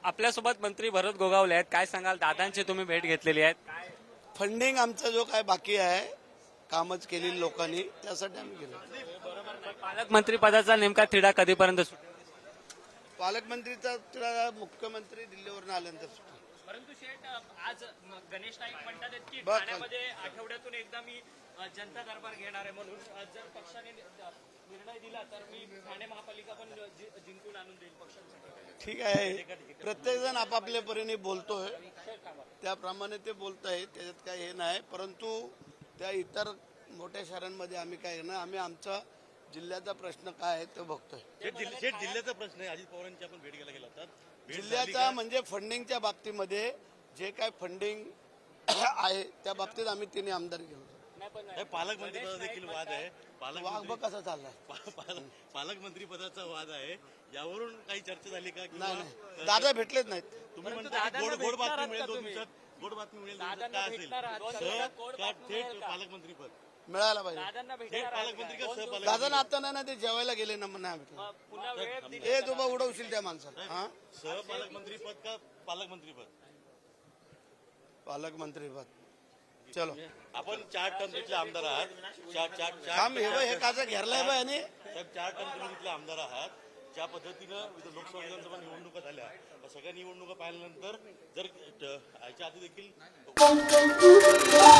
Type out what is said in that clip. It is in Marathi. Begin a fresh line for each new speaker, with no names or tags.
आपल्यासोबत मंत्री भरत गोगावले आहेत. काय सांगाल, दादांची तुम्ही भेट घेतलेली आहे, काय
फंडिंग आमचा जो काय बाकी आहे कामच केलेली लोकांनी त्यासाठी आम्ही गेलो.
पालकमंत्री पदाचा नेमका तिढा कधीपर्यंत सुटेल?
पालकमंत्रीचा तुला मुख्यमंत्री दिल्लीवरून आल्यानंतर सुटेल.
परंतु शेठ, आज गणेश नाईक म्हणतात की
बरं.
ठाण्यामध्ये आठवड्यातून एकदा मी जनता दरबार घेणार आहे, म्हणून जर पक्षाने निर्णय दिला तर मी ठाणे महापालिका पण जिंकून आणून देईल पक्षांसाठी.
ठीक आहे, प्रत्येक जण आपापल्या परीने बोलतोय त्याप्रमाणे ते बोलत आहे, त्याच्यात काही हे नाही. परंतु त्या इतर मोठ्या शहरांमध्ये आम्ही काय ना, आम्ही आमचा जिल्ह्याचा प्रश्न काय आहे ते बघतोय.
जिल्ह्याचा प्रश्न आहे. अजित पवारांची आपण भेट घ्यायला गेला होता.
जिल्ह्याचा म्हणजे फंडिंगच्या बाबतीमध्ये जे काय फंडिंग आहे त्या बाबतीत आम्ही तिने आमदार घेऊ.
पालकमंत्री पदाचा देखील वाद आहे.
वाघ बघ कसा चाललाय.
पालकमंत्री पदाचा वाद आहे. यावरून काही चर्चा झाली का?
नाही, दादा भेटलेच नाहीत.
तुम्ही म्हणता गोड बातमी मिळेल 2 दिवसात, गोड बातमी मिळेल 2 दिवसात, काय असेल थेट पालकमंत्री पद
मिळायला पाहिजे.
थेट पालकमंत्री का सहपालकमंत्री?
दादा आता ना ते जेवायला गेले ना म्हणा हे तुम्हा उडवशील त्या माणसाला. हा,
सहपालकमंत्री पद का पालकमंत्री पद?
पालकमंत्री पद. चलो
आपण 4 टर्म तिथले आमदार आहात.
थांब, हे काचा घेरलाय बाय आणि
4 टर्म तुम्ही तिथले आमदार आहात. ज्या पद्धतीनं लोकसभा विधानसभा निवडणुका झाल्या, या सगळ्या निवडणुका पाहिल्यानंतर जर याच्या आधी देखील